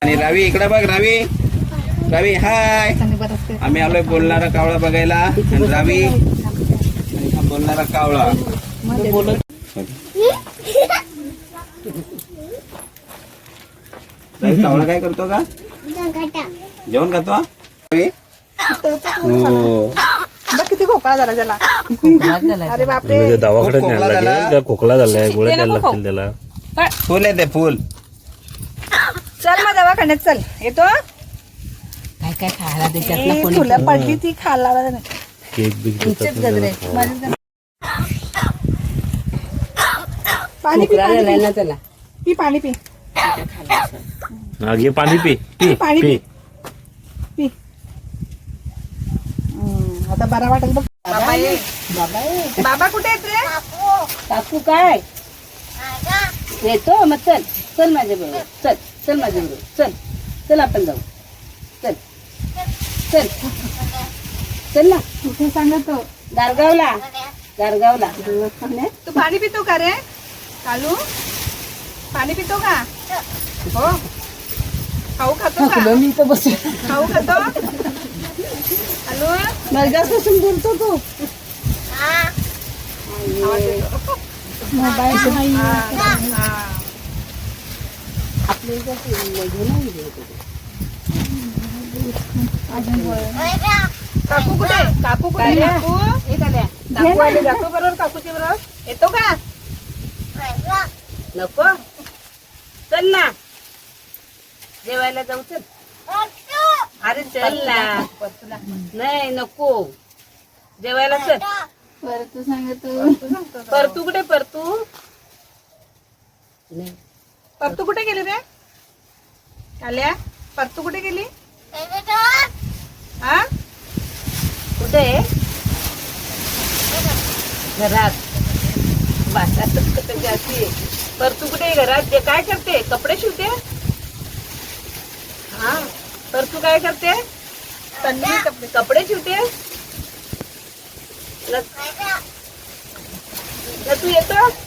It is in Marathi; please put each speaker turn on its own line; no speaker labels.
आणि रावी इकडे बघ. रावी रावी हाय. आम्ही आलोय बोलणारा कावळा बघायला. आणि रावी आणि हा बोलणारा कावळा. रावी कावळा काय करतो का? जेवण खातो हा? रावी? हो.
किती खोकला झाला त्याला. अरे बापरे.
दवाखान्यात न्यायला लागेल. त्याला खोकला झालाय, गोळ्या द्यायला लागतील त्याला.
फुल आहे ते फुल.
चल मग दवाखान्यात चल. येतो
काय काय खायला देतात
फुलं पडली ती खायला
केक बिक देतात ना.
पाणी पी
ना त्याला.
पी पाणी पी
हा, घे पाणी पी पी
पाणी
पी.
पी. आता बरा वाटेल बघ. बाबा कुठे आहेत रे?
काकू काय येतो मग. चल चल माझ्या बरोबर. चल चल माझ्या बरोबर. चल चल आपण जाऊ. चल चल चल ना.
कुठे सांगतो?
दारगावला. दारगावला.
तू पाणी पितो का रे कालू? पाणी पितो का? हो. खाऊ खातो का?
मी इथं बस.
खाऊ खातो कालू?
मर्गापासून बोलतो तू.
काकू कुठे? काकू कुठे? काकू काकू आले. काकू बरोबर काकूच्या बरोबर येतो का?
नको. चल ना जेवायला जाऊ. चल. अरे चल ना. नाही नको. जेवायला चल.
परतू सांगतो.
परतू कुठे? परतू नाही.
परतू कुठे गेली रे? काल्या परतू कुठे गेली? हा
कुठे? घरात. जाते. परतू कुठे? घरात. जे काय करते? कपडे शिवते. हा. परतू काय करते? कपडे शिवते. तू येतो